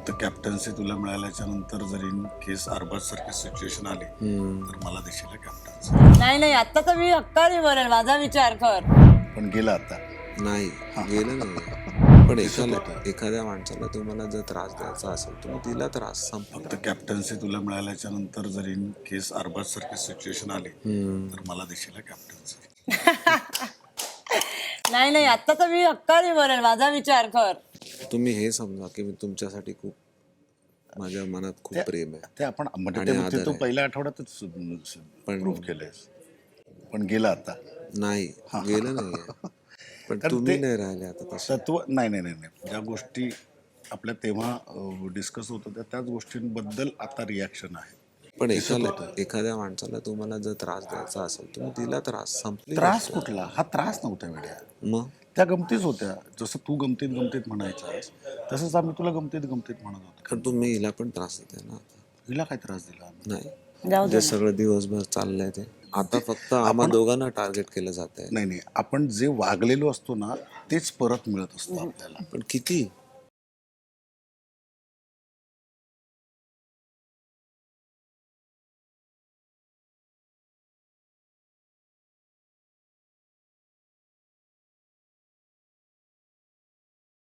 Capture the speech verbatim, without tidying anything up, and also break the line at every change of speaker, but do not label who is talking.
फक्त कॅप्टन्सी तुला मिळाल्याच्या नंतर जरी केस अरबाज सारखी सिच्युएशन आली तर मला देशील कॅप्टन्सी.
नाही नाही आता तर मी हक्काने बरेल, माझा विचार कर.
पण गेला आता.
नाही गेलं नाही. पण एखाद्या एखाद्या माणसाला तुम्हाला जर त्रास द्यायचा असेल तुम्ही दिला त्रास संपला.
फक्त कॅप्टन्सी तुला मिळाल्याच्या नंतर जरी केस अरबाज सारखी सिच्युएशन आली तर मला देशील कॅप्टन्सी.
नाही नाही आता तर मी हक्काने बरेल, माझा विचार कर.
तुम्ही हे समजा की मी तुमच्यासाठी खूप माझ्या मनात खूप प्रेम आहे.
ते आपण म्हणजे
आणि
ते- ते
आदर
तू
आहे.
पहिल्या आठवड्यातच
पण-
प्रूव्ह केलंयस. पण गेला आता.
नाही गेलं नाहीये. पण
कारण
तुम्ही
ते-
नाही राहिले आता तसे.
तत्व नाही नाही नाही नाही ज्या गोष्टी आपल्या तेव्हा डिस्कस होत होत्या त्याच गोष्टींबद्दल आता रिॲक्शन आहे.
पण एखाद्या एखाद्या माणसाला तुम्हाला जर त्रास द्यायचा असेल तुम्ही दिला त्रास संपली.
त्रास कुठला? हा त्रास नव्हता वेड्या.
मग
त्या गमतीच होत्या. जसं तू गमतीत गमतीत म्हणायचास तसंच आम्ही तुला गमतीत गमतीत म्हणत होतो.
कारण तुम्ही हिला पण त्रास देते ना.
हिला काय त्रास दिला आम्ही?
नाही
जाऊ दे
जे सगळं दिवसभर चाललंय ते आता फक्त आम्हा दोघांना टार्गेट केलं जात आहे.
नाही नाही आपण जे वागलेलो असतो ना तेच परत मिळत असतं आपल्याला.
पण किती